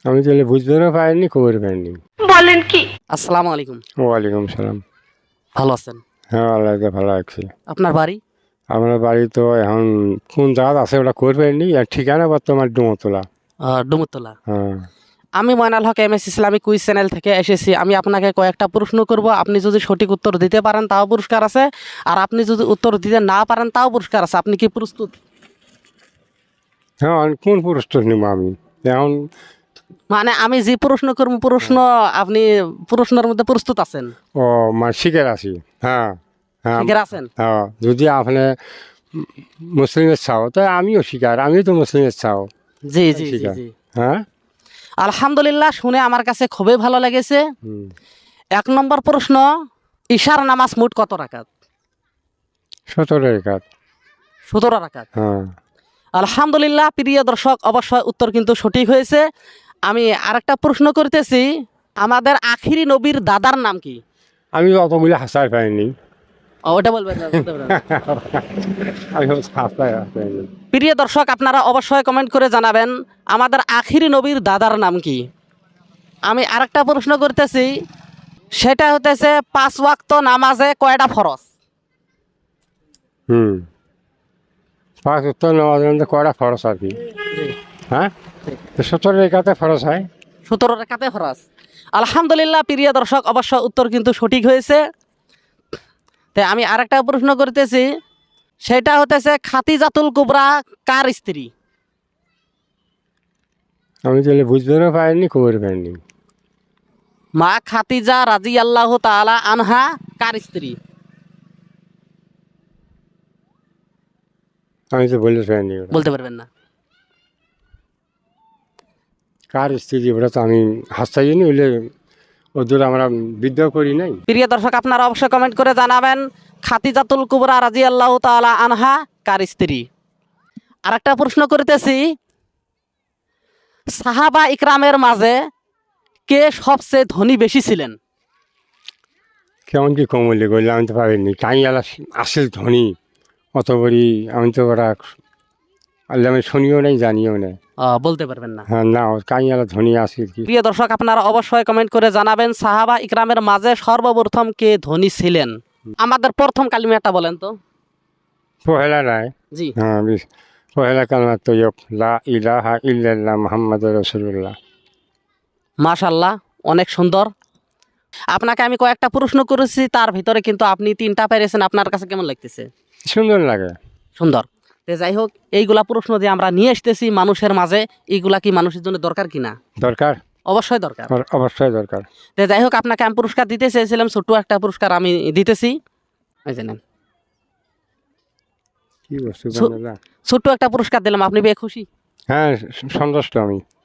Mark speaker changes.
Speaker 1: আমি তাহলে বুঝতেও পারিনি, খবর পাইনি।
Speaker 2: বলেন কি? আসসালামু আলাইকুম।
Speaker 1: ওয়ালাইকুম সালাম।
Speaker 2: ভালো আছেন?
Speaker 1: হ্যাঁ, আল্লাহ ভালো আছি।
Speaker 2: আপনার বাড়ি?
Speaker 1: আমার বাড়ি তো এখন কোন জায়গা আছে ওটা খবর পাইনি, আর ঠিকানা বর্তমান ডুমতলা।
Speaker 2: ডুমুরতলা।
Speaker 1: হ্যাঁ।
Speaker 2: আমি Moynal Haque MS Islamic quiz channel থেকে এসেছি। আমি আপনাকে কয়েকটা প্রশ্ন করব, আপনি যদি সঠিক উত্তর দিতে পারেন তাও পুরস্কার আছে, আর আপনি যদি উত্তর দিতে না পারেন তাও পুরস্কার আছে। আপনি কি প্রস্তুত?
Speaker 1: হ্যাঁ, কোন পুরস্কার নিব আমি এখন?
Speaker 2: মানে আমি যে প্রশ্ন করব আপনি প্রশ্নের মধ্যে প্রস্তুত আছেন?
Speaker 1: ও, মানে শিখে আছি। হ্যাঁ হ্যাঁ।
Speaker 2: শিখে আছেন?
Speaker 1: হ্যাঁ, যদি আপনি মুসলিমের চাও তো আমিও শিকার, আমিও তো মুসলিমের চাও।
Speaker 2: জি জি জি
Speaker 1: শিকার।
Speaker 2: জি।
Speaker 1: হ্যাঁ।
Speaker 2: আলহামদুলিল্লাহ, শুনে আমার কাছে খুবই ভালো লেগেছে। 1 নম্বর প্রশ্ন, ঈশার নামাজ মোট কত রাকাত?
Speaker 1: 17 রেখাত।
Speaker 2: 17 রাকাত।
Speaker 1: হ্যাঁ।
Speaker 2: আলহামদুলিল্লাহ, প্রিয় দর্শক, অবশ্যই উত্তর কিন্তু সঠিক হয়েছে। আমি আরেকটা প্রশ্ন করতেছি, আমাদের আখিরি নবীর দাদার নাম কি?
Speaker 1: আমি অতগুলি হাসাই পাইনি।
Speaker 2: ওটা বলবেন না, বলতে পারবেন না।
Speaker 1: আমি হাসাই পাইনি।
Speaker 2: প্রিয় দর্শক, আপনারা অবশ্যই কমেন্ট করে জানাবেন আমাদের আখিরি নবীর দাদার নাম কি। আমি আরেকটা প্রশ্ন করতেছি, সেটা হতেছে 5 ওয়াক্ত নামাজে কয়টা ফরজ?
Speaker 1: 5 উত্তর নামাজের মধ্যে কয়টা ফরজ আর কি? হ্যাঁ, 17 রেখাতে ফরজ হয়।
Speaker 2: 17 রাকাতে ফরজ। আলহামদুলিল্লাহ, প্রিয় দর্শক, অবশ্য উত্তর কিন্তু সঠিক হয়েছে। তাই আমি আরেকটা প্রশ্ন করতেছি, সেটা হতেছে খাতিজাতুল কুবরা কার স্ত্রী?
Speaker 1: আমি তাহলে বুঝতেও পারিনি, খবর পাইনি।
Speaker 2: মা খাতিজা রাদিয়াল্লাহু তাআলা আনহা কার স্ত্রী?
Speaker 1: আমি তো বলতে পারিনি ওটা।
Speaker 2: বলতে পারবেন না?
Speaker 1: কার স্ত্রী ওটা তো আমি হাসাইনি, হইলে ওদের আমরা বিদ্রোহ করি নাই।
Speaker 2: প্রিয় দর্শক, আপনারা অবশ্যই কমেন্ট করে জানাবেন খাতিজাতুল কুবরা রাদিয়াল্লাহু তাআলা আনহা কার স্ত্রী। আরেকটা প্রশ্ন করতেছি, সাহাবা ইকরামের মাঝে কে সবচেয়ে ধনী বেশি ছিলেন?
Speaker 1: কেমন কি কমলি করলে আমি তো পারিনি। কাইয়ালা আসল ধনী অত বড়ি, আমি তো ওরা আল্লাহ আমি শুনিও নাই, জানিও না।
Speaker 2: বলতে পারবেন না?
Speaker 1: হ্যাঁ, না, কাইয়ালা ধনী আসিল কি।
Speaker 2: প্রিয় দর্শক, আপনারা অবশ্যই কমেন্ট করে জানাবেন সাহাবা ইকরামের মাঝে সর্বপ্রথম কে ধনী ছিলেন। আমাদের প্রথম কালিমাটা বলেন তো।
Speaker 1: পহেলা নাই।
Speaker 2: জি।
Speaker 1: হ্যাঁ, পহেলা কালমা তৈয়ব, লা ইলাহা ইল্লাল্লাহ মুহাম্মাদুর রাসূলুল্লাহ।
Speaker 2: মাশাআল্লাহ, অনেক সুন্দর। আপনাকে আমি কয়েকটা প্রশ্ন করেছি, তার ভিতরে কিন্তু আপনি 3টা পেরেছেন। আপনার কাছে কেমন লাগতেছে?
Speaker 1: সুন্দর লাগে।
Speaker 2: সুন্দর। তো যাই হোক, এইগুলা প্রশ্ন যে আমরা নিয়ে আসতেছি মানুষের মাঝে, এইগুলা কি মানুষের জন্য দরকার কিনা?
Speaker 1: দরকার।
Speaker 2: অবশ্যই দরকার।
Speaker 1: অবশ্যই দরকার।
Speaker 2: তো যাই হোক, আপনাকে আমি পুরস্কার দিতে চেয়েছিলাম, ছোট্ট একটা পুরস্কার আমি দিতেছি। এই যে নেন।
Speaker 1: কি বস্তু
Speaker 2: সু-
Speaker 1: বানালা?
Speaker 2: ছোট্ট একটা পুরস্কার দিলাম, আপনি বেশ খুশি?
Speaker 1: হ্যাঁ, সন্তুষ্ট আমি।